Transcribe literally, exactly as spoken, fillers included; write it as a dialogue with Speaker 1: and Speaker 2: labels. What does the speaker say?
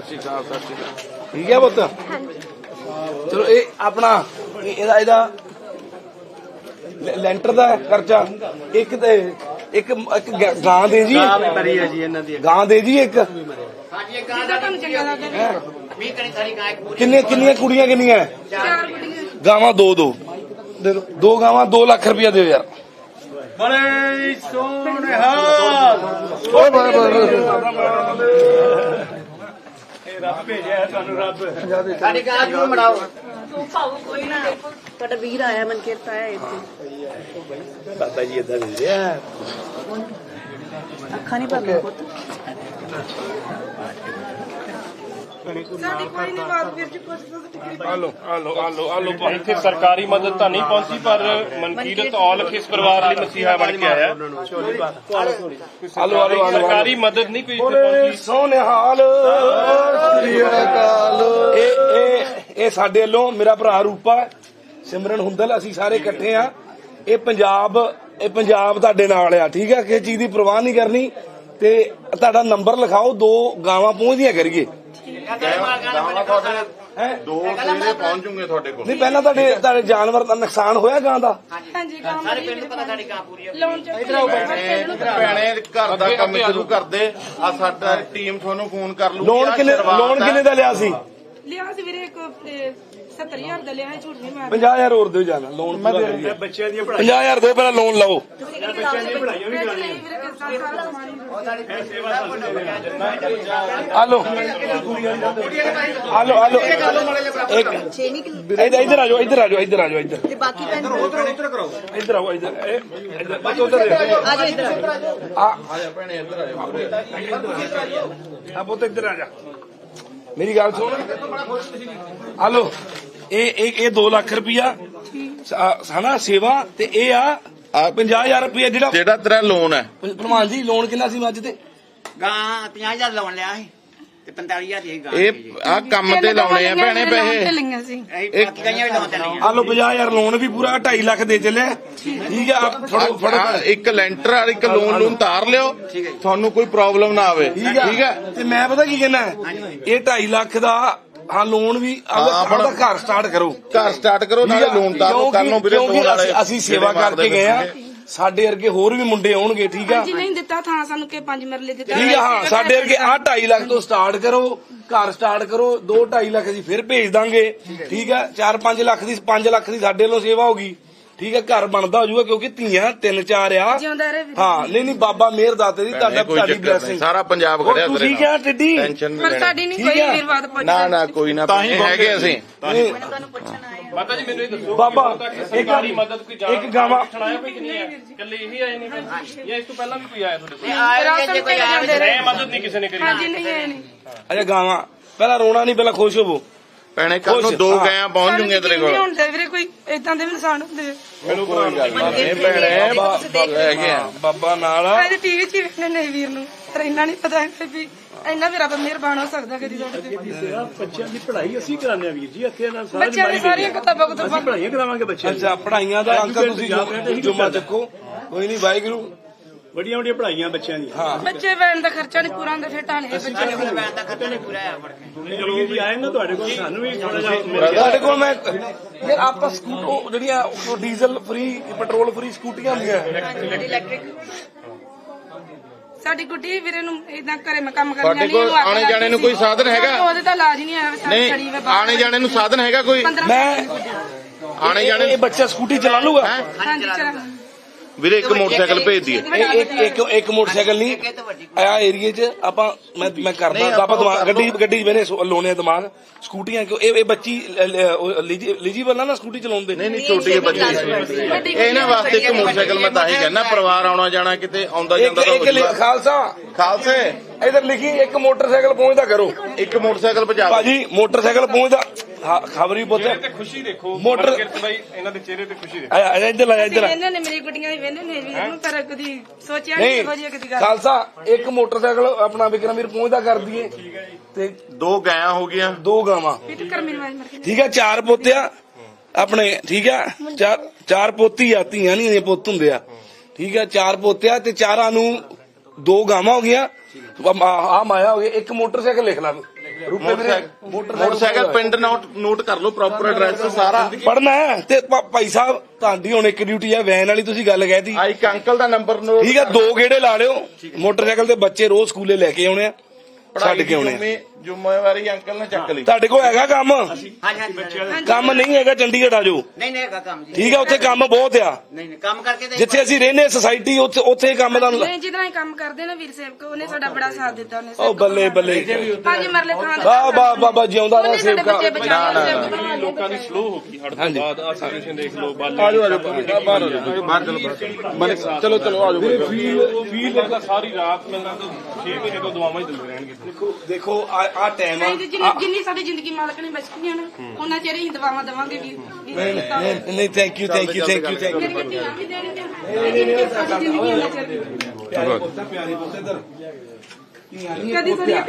Speaker 1: ਸ਼੍ਰੀ ਅਕਾਲ ਸਤਿ ਸ਼੍ਰੀ ਅਕਾਲ ਠੀਕ ਹੈ ਪੁੱਤ ਚਲੋ ਇਹ ਆਪਣਾ ਇਹਦਾ ਇਹਦਾ ਲੈਂਟਰ ਦਾ ਖਰਚਾ ਇੱਕ ਤੇ ਇੱਕ ਇੱਕ ਗਾਂ ਦੇ ਜੀ ਗਾਂ ਦੇ ਜੀ ਇੱਕ ਕਿੰਨੇ ਕਿੰਨੀਆਂ ਕੁੜੀਆਂ ਕਿੰਨੀਆਂ ਗਾਵਾਂ ਦੋ ਦੋ ਦੇ ਦੋ ਦੋ ਗਾਵਾਂ ਦੋ ਲੱਖ ਰੁਪਇਆ ਦਿਓ ਯਾਰ
Speaker 2: ਬੜੇ ਸੋਹਣੇ ਹਾਲ
Speaker 1: ਓਏ ਬਾਏ ਬਾਏ
Speaker 2: ਰੱਬ ਭੇਜਿਆ ਤੁਹਾਨੂੰ ਰੱਬ
Speaker 3: ਸਾਡੀ ਗਾਂ ਨੂੰ ਮੜਾਓ ਤੂੰ ਭਾਉ ਕੋਈ ਨਾ ਤੁਹਾਡਾ ਵੀਰ ਆਇਆ ਮਨ ਕਿਰਤ ਆਇਆ ਇੱਥੇ
Speaker 1: ਬਾਬਾ ਜੀ ਏਦਾਂ ਮਿਲ ਰਿਹਾ
Speaker 3: ਅੱਖਾਂ ਨਹੀਂ ਭਰਨਾ ਪੁੱਤ
Speaker 4: ਸਾਡੀ ਕੋਈ ਨਹੀਂ ਬਾਤ ਵੀਰ ਜੀ ਕੁਝ
Speaker 1: ਆਲੋ ਆਲੋ ਆਲੋ ਆਲੋ
Speaker 5: ਇੱਥੇ ਸਰਕਾਰੀ ਮਦਦ ਤਾਂ ਨਹੀਂ ਪਹੁੰਚੀ ਪਰ ਮਨਕੀਰਤ ਔਲਖ ਇਸ ਪਰਿਵਾਰ ਲਈ ਮਸੀਹਾ ਬਣ ਕੇ ਆਇਆ।
Speaker 1: ਆਲੋ ਆਲੋ
Speaker 5: ਸਰਕਾਰੀ ਮਦਦ ਨਹੀਂ ਕੋਈ ਇੱਥੇ ਪਹੁੰਚੀ।
Speaker 1: ਸੋਹਣੇ ਹਾਲ ਇਹ ਇਹ ਇਹ ਸਾਡੇ ਵੱਲੋਂ ਮੇਰਾ ਭਰਾ ਰੂਪਾ ਸਿਮਰਨ ਹੁੰਦਲ ਅਸੀਂ ਸਾਰੇ ਇਕੱਠੇ ਆ ਇਹ ਪੰਜਾਬ ਇਹ ਪੰਜਾਬ ਤੁਹਾਡੇ ਨਾਲ ਆ ਠੀਕ ਆ ਕਿਸੇ ਚੀਜ਼ ਦੀ ਪਰਵਾਹ ਨਹੀਂ ਕਰਨੀ ਤੇ ਤੁਹਾਡਾ ਨੰਬਰ ਲਿਖਾਓ ਦੋ ਗਾਵਾਂ ਪਹੁੰਚਦੀਆਂ ਕਰੀਏ
Speaker 6: ਦੋ ਸਵੇਰੇ ਪਹੁੰਚ ਜੂਗੇ ਤੁਹਾਡੇ ਕੋਲ
Speaker 1: ਨਹੀਂ ਪਹਿਲਾਂ ਤੁਹਾਡੇ ਤੁਹਾਡੇ ਜਾਨਵਰ ਦਾ ਨੁਕਸਾਨ ਹੋਇਆ ਗਾਂ ਦਾ
Speaker 4: ਹਾਂਜੀ ਕੰਮ
Speaker 3: ਸਾਰੇ ਪਿੰਡ ਨੂੰ ਪਤਾ ਸਾਡੀ ਗਾਂ ਪੂਰੀ ਹੈ
Speaker 4: ਲੋਨ ਚ
Speaker 6: ਭੈਣੇ ਘਰ ਦਾ ਕੰਮ ਸ਼ੁਰੂ ਕਰਦੇ ਆ ਸਾਡਾ ਟੀਮ ਤੁਹਾਨੂੰ ਫੋਨ ਕਰ ਲੂਗੀ
Speaker 1: ਲੋਨ ਕਿੰਨੇ ਲੋਨ ਕਿੰਨੇ ਦਾ ਲਿਆ ਸੀ
Speaker 4: ਲਿਆ ਸੀ ਵੀਰੇ ਇੱਕ ਸੱਤਰ ਹਜ਼ਾਰ ਦਾ ਲਿਆ ਝੂਠ ਨਹੀਂ ਮਾਰ
Speaker 1: ਪੰਜਾਹ ਹਜ਼ਾਰ ਹੋਰ ਦਿਓ ਜਾਣਾ ਲੋਨ ਮੈਂ
Speaker 2: ਬੱਚਿਆਂ ਦੀਆਂ
Speaker 1: ਪੰਜਾਹ ਹਜ਼ਾਰ ਦਿਓ ਪਹਿਲਾਂ ਲੋਨ ਲਓ
Speaker 2: ਬੱਚਿਆਂ ਦੀਆਂ ਪੜ੍ਹਾਈਆਂ ਵੀ ਕਰਾਉਣੀਆਂ
Speaker 1: ਆਲੋ ਆਲੋ ਆਲੋ ਇੱਕ ਇੱਧਰ ਇੱਧਰ ਆ ਜਾਓ ਇੱਧਰ ਆ ਜਾਓ ਇੱਧਰ ਆ ਜਾਓ ਇੱਧਰ
Speaker 3: ਤੇ ਬਾਕੀ ਭੈਣ
Speaker 2: ਉਧਰ ਕਰੋ
Speaker 1: ਇੱਧਰ ਆਓ ਇੱਧਰ ਇਹ ਇੱਧਰ ਬਸ ਉੱਧਰ ਦੇਖੋ
Speaker 3: ਆ ਜਾਓ ਇੱਧਰ
Speaker 1: ਆ ਆ ਜਾ ਭੈਣੇ ਇੱਧਰ ਆ ਜਾ ਆ ਪੁੱਤ ਇੱਧਰ ਆ ਜਾ ਮੇਰੀ ਗੱਲ ਸੁਣ ਆਲੋ ਇਹ ਇਹ ਇਹ ਦੋ ਲੱਖ ਰੁਪਇਆ ਹਨਾ ਸੇਵਾ ਤੇ ਇਹ ਆ ਪੰਜਾਹ ਹਜ਼ਾਰ ਰੁਪਇਆ ਜਿਹੜਾ
Speaker 6: ਜਿਹੜਾ ਤੇਰਾ ਲੋਨ ਹੈ
Speaker 1: ਪ੍ਰਮਾਨ ਜੀ ਲੋਨ ਕਿੰਨਾ ਸੀ ਮੱਝ ਤੇ
Speaker 3: ਗਾਂ ਪੰਜਾਹ ਹਜ਼ਾਰ ਲਾਉਣ ਲਿਆ ਸੀ ਤੇ ਪੰਤਾਲੀ ਹਜ਼ਾਰ ਦੀ ਗਾਂ
Speaker 6: ਇਹ ਆ ਕੰਮ ਤੇ ਲਾਉਣੇ ਆ ਭੈਣੇ ਪੈਸੇ
Speaker 4: ਲਈਆਂ ਸੀ
Speaker 3: ਅਸੀਂ ਬਾਕੀ ਗਾਈਆਂ ਵੀ ਲਾਉਣ ਤੇ ਲਈਆਂ
Speaker 1: ਆਲੋ ਪੰਜਾਹ ਹਜ਼ਾਰ ਲੋਨ ਵੀ ਪੂਰਾ ਢਾਈ ਲੱਖ ਦੇ ਚੱਲਿਆ ਠੀਕ ਆ ਫੜੋ ਫੜੋ
Speaker 6: ਆਹ ਇੱਕ ਲੈਂਟਰ ਆ ਇੱਕ ਲੋਨ ਲੋਨ ਤਾਰ ਲਿਓ ਤੁਹਾਨੂੰ ਕੋਈ ਪ੍ਰੋਬਲਮ ਨਾ ਆਵੇ
Speaker 1: ਠੀਕ ਆ
Speaker 6: ਠੀਕ ਹੈ
Speaker 1: ਤੇ ਮੈਂ ਪਤਾ ਕੀ ਕਹਿਣਾ ਇਹ ਢਾਈ ਲੱਖ ਦਾ ਹਾਂ ਲੋਨ ਵੀ ਆਪਣਾ ਘਰ ਸਟਾਰਟ ਕਰੋ
Speaker 6: ਘਰ ਸਟਾਰਟ ਕਰੋ ਨਾਲੇ ਲੋਨ ਤਾਰੋ ਕਰ ਲਓ ਵੀਰੇ
Speaker 1: ਕਿਉਂਕਿ ਅਸੀਂ ਸੇਵਾ ਕਰਕੇ ਗਏ ਆ ਸਾਡੇ ਵਰਗੇ ਹੋਰ ਵੀ ਮੁੰਡੇ ਆਉਣਗੇ ਠੀਕ ਆ
Speaker 4: ਜੀ ਨਹੀਂ ਦਿੱਤਾ ਥਾਂ ਸਾਨੂੰ ਕਿ ਪੰਜ ਮਰਲੇ ਦਿੱਤਾ
Speaker 1: ਠੀਕ ਆ ਹਾਂ ਸਾਡੇ ਵਰਗੇ ਆਹ ਢਾਈ ਲੱਖ ਤੋਂ ਸਟਾਰਟ ਕਰੋ ਘਰ ਸਟਾਰਟ ਕਰੋ ਦੋ ਢਾਈ ਲੱਖ ਦੀ ਫਿਰ ਭੇਜ ਦਾਂਗੇ ਠੀਕ ਆ ਚਾਰ ਪੰਜ ਲੱਖ ਦੀ ਪੰਜ ਲੱਖ ਦੀ ਸਾਡੇ ਵੱਲੋਂ ਸੇਵਾ ਹੋਗੀ ਠੀਕ ਹੈ ਘਰ ਬਣਦਾ ਹੋ ਜਾਊਗਾ ਕਿਉਂਕਿ ਧੀਆਂ ਤਿੰਨ ਚਾਰ ਆ
Speaker 4: ਜਿਉਂਦਾ ਰਹੇ ਵੀਰ।
Speaker 1: ਹਾਂ ਨਹੀਂ ਨਹੀਂ ਬਾਬਾ ਮਿਹਰ ਦਾਤੇ ਦੀ ਤੁਹਾਡਾ
Speaker 6: ਕੋਈ
Speaker 1: ਤੁਹਾਡੀ
Speaker 6: ਚੱਕਰ ਨਹੀਂ
Speaker 1: ਬਲੇਸਿੰਗ
Speaker 6: ਸਾਰਾ ਪੰਜਾਬ ਖੜਿਆ ਤੇਰੇ
Speaker 1: ਤੁਸੀਂ ਕਿਹਾ ਟਿੱਡੀ
Speaker 6: ਟੈਨਸ਼ਨ
Speaker 4: ਪਰ ਸਾਡੀ ਨਹੀਂ ਕੋਈ ਵੀਰ ਬਾਤ ਪੁੱਛਦਾ
Speaker 6: ਨਾ ਨਾ ਕੋਈ ਨਾ ਹੈਗੇ ਅਸੀਂ
Speaker 3: ਤੁਹਾਨੂੰ ਪੁੱਛਣ ਆਏ
Speaker 5: ਮਾਤਾ ਜੀ ਮੈਨੂੰ ਇਹ ਦੱਸੋ
Speaker 1: ਬਾਬਾ
Speaker 5: ਇੱਕ ਸਰਕਾਰੀ ਮਦਦ ਕੋਈ ਜਾਣ
Speaker 1: ਇੱਕ ਗਾਵਾਂ
Speaker 5: ਆਇਆ ਕੋਈ ਕਿੰਨੀ ਹੈ ਇਕੱਲੇ ਇਹੀ ਆਏ ਨੇ ਜਾਂ ਇਸ ਤੋਂ ਪਹਿਲਾਂ ਵੀ ਕੋਈ ਆਇਆ ਤੁਹਾਡੇ ਕੋਲ
Speaker 3: ਆਏ ਜੇ ਕੋਈ ਆਇਆ
Speaker 5: ਇਹ ਮਦਦ ਨਹੀਂ ਕਿਸੇ ਨੇ ਕਰੀ
Speaker 4: ਹਾਂਜੀ ਨਹੀਂ ਇਹ ਨਹੀਂ
Speaker 1: ਅੱਛਾ ਗਾਵਾਂ ਪਹਿਲਾਂ ਰੋਣਾ ਨਹੀਂ ਪਹਿਲਾਂ ਖੁਸ਼ ਹੋਵੋ
Speaker 6: ਭੈਣੇ ਕੱਲ ਨੂੰ ਦੋ ਗਾਇਆਂ ਪਹੁੰਚ ਜੂਗੇ ਤੇਰੇ ਕੋਲ
Speaker 4: ਹੁੰਦੇ ਵੀਰੇ ਕੋਈ ਇਦਾਂ ਦੇ ਵੀ ਨਿਸ਼ਾਨ ਹੁੰਦੇ
Speaker 6: ਮੈਨੂੰ ਕੋਈ ਗੱਲ ਨਹੀਂ ਭੈਣੇ ਹੈਗੇ ਆ
Speaker 1: ਬਾਬਾ ਨਾਲ
Speaker 4: ਇਹਦੇ ਟੀਵੀ 'ਚ ਹੀ ਵੇਖਣੇ ਨਹੀਂ ਵੀਰ ਨੂੰ ਪਰ ਇੰਨਾ ਨਹੀਂ ਪਤਾ ਵੀ ਇੰਨਾ ਵੀ ਰੱਬ ਮਿਹਰਬਾਨ ਹੋ ਸਕਦਾ ਕਦੀ ਤੁਹਾਡੇ ਤੇ
Speaker 2: ਬੱਚਿਆਂ ਦੀ ਪੜ੍ਹਾਈ ਅਸੀਂ ਕਰਾਉਂਦੇ ਆ ਵੀਰ ਜੀ ਇੱਥੇ ਨਾਲ ਸਾਰੀ
Speaker 4: ਬੱਚਿਆਂ ਦੀ ਸਾਰੀਆਂ ਕਿਤਾਬਾਂ ਕੁਤਾਬਾਂ
Speaker 2: ਪੜ੍ਹਾਈਆਂ ਕਰਾਵਾਂਗੇ ਬੱਚਿਆਂ
Speaker 1: ਅੱਛਾ ਪੜਾਈਆਂ ਦਾ ਅੰਕਲ ਤੁਸੀਂ ਜੁਮਾ ਚੱਕੋ ਕੋਈ ਨਹੀਂ ਵਾਹਿਗੁਰੂ
Speaker 2: ਵੱਡੀਆਂ ਵੱਡੀਆਂ ਪੜ੍ਹਾਈਆਂ ਬੱਚਿਆਂ ਦੀਆਂ
Speaker 4: ਬੱਚੇ ਵੈਣ ਦਾ ਖਰਚਾ ਨਹੀਂ ਪੂਰਾ ਹੁੰਦਾ ਫਿਰ ਢਾਣੇ ਬੱਚੇ
Speaker 3: ਬੈਠ ਦਾ ਖਰਚਾ ਨਹੀਂ ਪੂਰਾ ਆ ਫੜ ਕੇ
Speaker 2: ਚਲੋ ਜੀ ਆਏ ਨਾ ਤੁਹਾਡੇ ਕੋਲ ਸਾਨੂੰ ਵੀ ਥੋੜਾ ਜਿਹਾ
Speaker 1: ਤੁਹਾਡੇ ਕੋਲ ਮੈਂ ਯਾਰ ਆਪਾਂ ਸਕੂਟਰ ਜਿਹੜੀਆਂ ਉਹ ਡੀਜ਼ਲ ਫ੍ਰੀ ਪੈਟਰੋਲ ਫ੍ਰੀ ਸਕੂਟੀਆਂ ਹੁੰਦੀਆਂ
Speaker 4: ਇਲੈਕਟ੍ਰਿਕ ਸਾਡੀ ਗੁੱਡੀ ਵੀਰੇ ਨੂੰ ਇਦਾਂ ਘਰੇ ਮੈਂ ਕੰਮ ਕਰਨ
Speaker 6: ਤੁਹਾਡੇ ਕੋਲ ਆਣੇ ਜਾਣੇ ਨੂੰ ਕੋਈ ਸਾਧਨ ਹੈਗਾ
Speaker 4: ਉਹਦੇ ਤਾਂ ਇਲਾਜ ਨਹੀਂ ਆਇਆ
Speaker 6: ਨਹੀਂ ਆਣੇ ਜਾਣੇ ਨੂੰ ਸਾਧਨ ਹੈਗਾ ਕੋਈ
Speaker 1: ਮੈਂ
Speaker 6: ਆਣੇ ਜਾਣੇ
Speaker 1: ਇਹ ਬੱਚਾ ਸਕੂਟੀ ਚਲਾ ਲੂਗਾ
Speaker 4: ਹਾਂਜੀ ਚਲਾ
Speaker 6: ਵੀਰੇ ਇੱਕ ਮੋਟਰਸਾਈਕਲ ਭੇਜ ਦਈਏ
Speaker 1: ਇੱਕ ਇੱਕ ਇੱਕ ਮੋਟਰਸਾਈਕਲ ਨਹੀਂ ਆ ਏਰੀਏ 'ਚ ਆਪਾਂ ਮੈਂ ਮੈਂ ਕਰਦਾ ਆਪਾਂ ਦਿਮਾਗ ਗੱਡੀ ਗੱਡੀ ਬਨੇ ਲੋਨੇ ਦਿਮਾਗ ਸਕੂਟੀਆਂ ਕਿਉਂ ਇਹ ਬੱਚੀ ਐਲੀਜੀਬਲ ਨਾ ਸਕੂਟੀ ਚਲਾਉਂਦੇ
Speaker 6: ਨਹੀਂ ਨਹੀਂ ਛੋਟੀ ਬੱਚੀ ਇਹ ਇਹਨਾਂ ਵਾਸਤੇ ਇੱਕ ਮੋਟਰਸਾਈਕਲ ਮੈਂ ਤਾਂ ਹੀ ਕਹਿੰਦਾ ਪਰਿਵਾਰ ਆਉਣਾ ਜਾਣਾ ਕਿਤੇ ਆਉਂਦਾ ਜਾਂਦਾ ਤਾਂ
Speaker 1: ਖਾਲਸਾ
Speaker 6: ਖਾਲਸੇ
Speaker 1: ਇਧਰ ਲਿਖੀ ਇੱਕ ਮੋਟਰਸਾਈਕਲ ਪਹੁੰਚਦਾ ਕਰੋ
Speaker 6: ਇੱਕ ਮੋਟਰਸਾਈਕਲ ਪਹੁੰਚਾ
Speaker 1: ਭਾਜੀ ਮੋਟਰਸਾਈਕਲ ਪਹੁੰਚਦਾ ਖਬਰੀ ਪੁੱਤ
Speaker 5: ਤੇ ਖੁਸ਼ੀ ਦੇਖੋ
Speaker 1: ਮੋਟਰ
Speaker 5: ਬਾਈ ਇਹਨਾਂ ਦੇ ਚਿਹਰੇ ਤੇ ਖੁਸ਼ੀ ਦੇਖੋ
Speaker 1: ਆ ਇੱਧਰ ਆ ਇੱਧਰ
Speaker 4: ਇਹਨਾਂ ਨੇ ਮੇਰੀ ਗੁੱਡੀਆਂ ਵੀ ਵੇਂਦੇ ਨੇ ਵੀਰ ਨੂੰ ਪਰ ਕਦੀ ਸੋਚਿਆ ਨਹੀਂ ਇਹੋ ਜਿਹੀ ਕਦੀ ਗੱਲ
Speaker 1: ਖਾਲਸਾ ਇੱਕ ਮੋਟਰਸਾਈਕਲ ਆਪਣਾ ਵਿਕਰਮ ਵੀਰ ਪਹੁੰਚਦਾ ਕਰ ਦਈਏ ਤੇ
Speaker 6: ਦੋ ਗਾਇਆਂ ਹੋ ਗਈਆਂ
Speaker 1: ਦੋ ਗਾਵਾਂ
Speaker 4: ਪਿੱਟ ਕਰ ਮੇਰੀ ਆਵਾਜ਼ ਮਰ ਗਈ
Speaker 1: ਠੀਕ ਹੈ ਚਾਰ ਪੋਤਿਆ ਆਪਣੇ ਠੀਕ ਹੈ ਚਾਰ ਚਾਰ ਪੋਤੀ ਆ ਧੀਆਂ ਨਹੀਂ ਪੁੱਤ ਹੁੰਦੇ ਆ ਠੀਕ ਹੈ ਚਾਰ ਪੋਤਿਆ ਤੇ ਚਾਰਾਂ ਨੂੰ ਦੋ ਗਾਵਾਂ ਹੋ ਗਈਆਂ ਆ ਮਾਇਆ ਹੋ ਗਈ ਇੱਕ ਮੋਟਰਸਾਈਕਲ ਲਿਖ ਲਾ
Speaker 6: ਮੋਟਰਸਾਈਕਲ ਪਿੰਡ ਨੋਟ ਨੋਟ ਕਰ ਲਓ ਪ੍ਰੋਪਰ ਐਡਰੈਸ ਸਾਰਾ।
Speaker 1: ਪੜਨਾ ਤੇ ਭਾ- ਭਾਈ ਸਾਹਿਬ ਤੁਹਾਡੀ ਹੁਣ ਇੱਕ ਡਿਊਟੀ ਆ ਵੈਨ ਵਾਲੀ, ਤੁਸੀਂ ਗੱਲ ਕਹਿਤੀ
Speaker 6: ਆ ਇੱਕ ਅੰਕਲ ਦਾ ਨੰਬਰ ਨੋਟ
Speaker 1: ਠੀਕ ਆ। ਦੋ ਗੇੜੇ ਲਾ ਲਿਓ ਮੋਟਰਸਾਈਕਲ ਤੇ, ਬੱਚੇ ਰੋਜ਼ ਸਕੂਲੇ ਲੈ ਕੇ ਆਉਣੇ ਆ, ਛੱਡ ਕੇ ਆਉਣੇ ਆ।
Speaker 6: ਜ਼ਿੰਮੇਵਾਰੀ ਅੰਕਲ ਨੇ ਚੱਕ ਲਈ।
Speaker 1: ਤੁਹਾਡੇ ਕੋਲ ਹੈਗਾ ਕੰਮ?
Speaker 3: ਹਾਂਜੀ ਹਾਂਜੀ
Speaker 1: ਕੰਮ ਨਹੀਂ ਹੈਗਾ ਚੰਡੀਗੜ੍ਹ ਆ ਜਾਓ,
Speaker 3: ਨਹੀਂ ਨਹੀਂ ਹੈਗਾ ਕੰਮ ਜੀ।
Speaker 1: ਠੀਕ ਆ। ਉੱਥੇ ਕੰਮ ਬਹੁਤ ਆ,
Speaker 3: ਨਹੀਂ ਨਹੀਂ ਕੰਮ ਕਰਕੇ ਤੇ
Speaker 1: ਜਿੱਥੇ ਅਸੀਂ ਰਹਿੰਦੇ ਸੁਸਾਇਟੀ ਉੱਥੇ ਉੱਥੇ ਕੰਮ ਦਾ।
Speaker 4: ਨਹੀਂ ਜਿਹਦਾ ਕੰਮ ਕਰਦੇ ਨਾ ਵੀਰ ਸੇਵਕ, ਉਹਨੇ ਸਾਡਾ ਬੜਾ ਸਾਥ ਦਿੱਤਾ। ਉਹਨੇ
Speaker 1: ਉਹ ਬੱਲੇ ਬੱਲੇ,
Speaker 4: ਹਾਂਜੀ ਮਰਲੇ ਖਾਨ ਦਾ
Speaker 1: ਵਾਹ ਵਾਹ ਬਾਬਾ ਜਿਉਂਦਾ ਰਹਾ
Speaker 4: ਉਹਨੇ ਸਾਡੇ
Speaker 1: ਸੇਵਕਾ।
Speaker 4: ਬੱਚੇ ਬਚਾਏ।
Speaker 5: ਲੋਕਾਂ ਦੀ ਸਲੋ ਹੋ ਗਈ ਹੜ ਤੋਂ ਬਾਅਦ ਆ ਸਿਚੁਏਸ਼ਨ ਦੇਖ ਲਓ। ਬਾਹਰ
Speaker 6: ਆਜੋ ਆਜੋ ਬਾਹਰ ਬਾਹਰ ਚਲੋ ਚਲੋ ਚਲੋ ਆਜੋ।
Speaker 5: ਫੀਲ ਦਾ ਸਾਰੀ ਰਾਤ ਮਿਲਣਾ ਤਾਂ ਛੇ ਮਹੀਨੇ ਤੋਂ ਦੁਆਵਾਂ ਹੀ ਦਿੰਦੇ ਰਹਿਣਗੇ।
Speaker 1: ਦੇਖੋ ਦੇਖੋ ਆ ਆ ਟਾਈਮ ਆ।
Speaker 4: ਨਹੀਂ ਜਿੰਨੀ ਜਿੰਨੀ ਸਾਡੀ ਜ਼ਿੰਦਗੀ ਮਾਲਕ ਨੇ ਬਚਣੀ ਨਾ, ਉਹਨਾਂ ਚਿਰ ਹੀ ਦਵਾਵਾਂ ਦੇਵਾਂਗੇ ਵੀਰ।
Speaker 1: ਨਹੀਂ ਨਹੀਂ thank you thank you thank you thank you.
Speaker 4: ਮੇਰੀ ਧੀਆਂ ਵੀ ਦੇਣਗੀਆਂ ਸਾਡੀ ਜ਼ਿੰਦਗੀ ਉਹਨਾਂ ਚਿਰ
Speaker 1: ਪਿਆਰੇ ਪੁੱਤ ਪਿਆਰੇ ਪੁੱਤ ਇੱਧਰ
Speaker 4: ਕਦੀ ਸਾਡੀ